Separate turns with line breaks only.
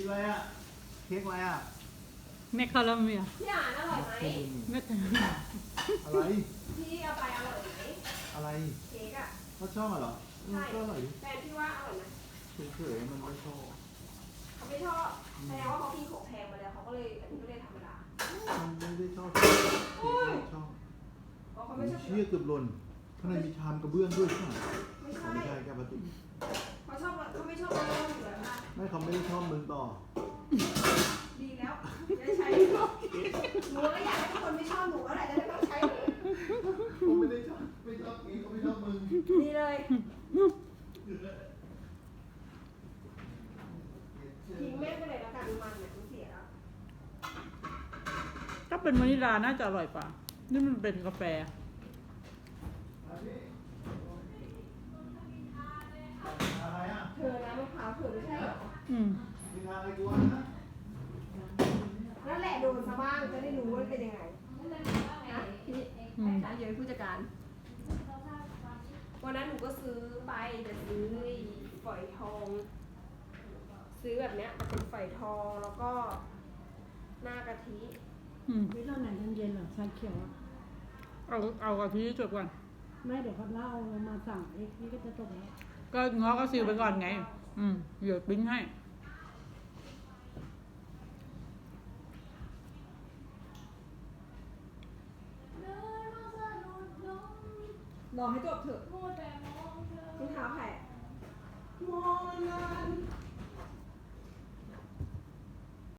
อะไรอ่ะเค้กอะไรอ่ะ
แมคคาราเมล
พี่อ่านอร่อยไหม
แมคคาราเมล
อะไร
พี่เอาไปอร่อยไหม
อะไร
เค้กอ่ะ
เขาชอบเหรอ
ใช่
ก็อร่อยดิ
แฟนพี่ว่าอร่อยไหม
เฉยๆมันไม่ชอบ
เขาไม่ชอบแสดงว่าเขากินของแพงมาแล้วเขาก็เลยอันนี้ก็เลยธรรมดา
มันไม่ได้ชอบเค้กไม่ชอบ
เพราะเขาไม่ชอบ
เชี่ยเกือบหล่นข้างในมีชามกระเบื้องด้วยใช่ไหม
ไม่
อ๋อ
ใช่
ไม่ใช่แก้วพลาสติก
เขาไม่ชอบเราอยู่แล้วนะ
ไม่เขาไม่ได้ชอบมึงต่อ
ดีแล้วจะได้ใช้หนูก็อยากให้คนไม่ชอบหนูอะไรจะได้ต้องใช้
เขาไม่ได้ชอบไม่ชอบนี้เขาไม่ชอบมึง
ดีเลยทิ้งแม่ไปเลยแล้วกันมันเนี่ยมันเสียแล้ว
ถ้าเป็นวานิลลาน่าจะอร่อยกว่า นี่มันเป็นกาแฟ
อะไรอ่ะ
เธอนะมะพร้าวเธอไม่ใช่เหรอ
อืม
มีทางอะไรกูวะนะ
นั่นแหละโดนซะบ้างจะได้รู้ว่าเป็นยังไงนะพี่อาเยอะผู้จัดการวันนั้นหนูก็ซื้อไปแต่ซื้อฝอยทอง ซื้อแบบเนี้ยแต่เป็นฝอยทองแล้วก็หน้ากะทิ
อืม
วิตอนไหนเย็นๆเหรอชาเขียวอะ
เอากะทิจบก่อน
ไม่เดี๋ยวเขาเล่ามาสั่งเอ็กนี่ก็จะจบแล้ว
ก็ง้อก็ซิลไปก่อนไง อืมเดี๋ยวปิ้งให้
รอให้จบเถอะรองเท้าแผ่มองนาน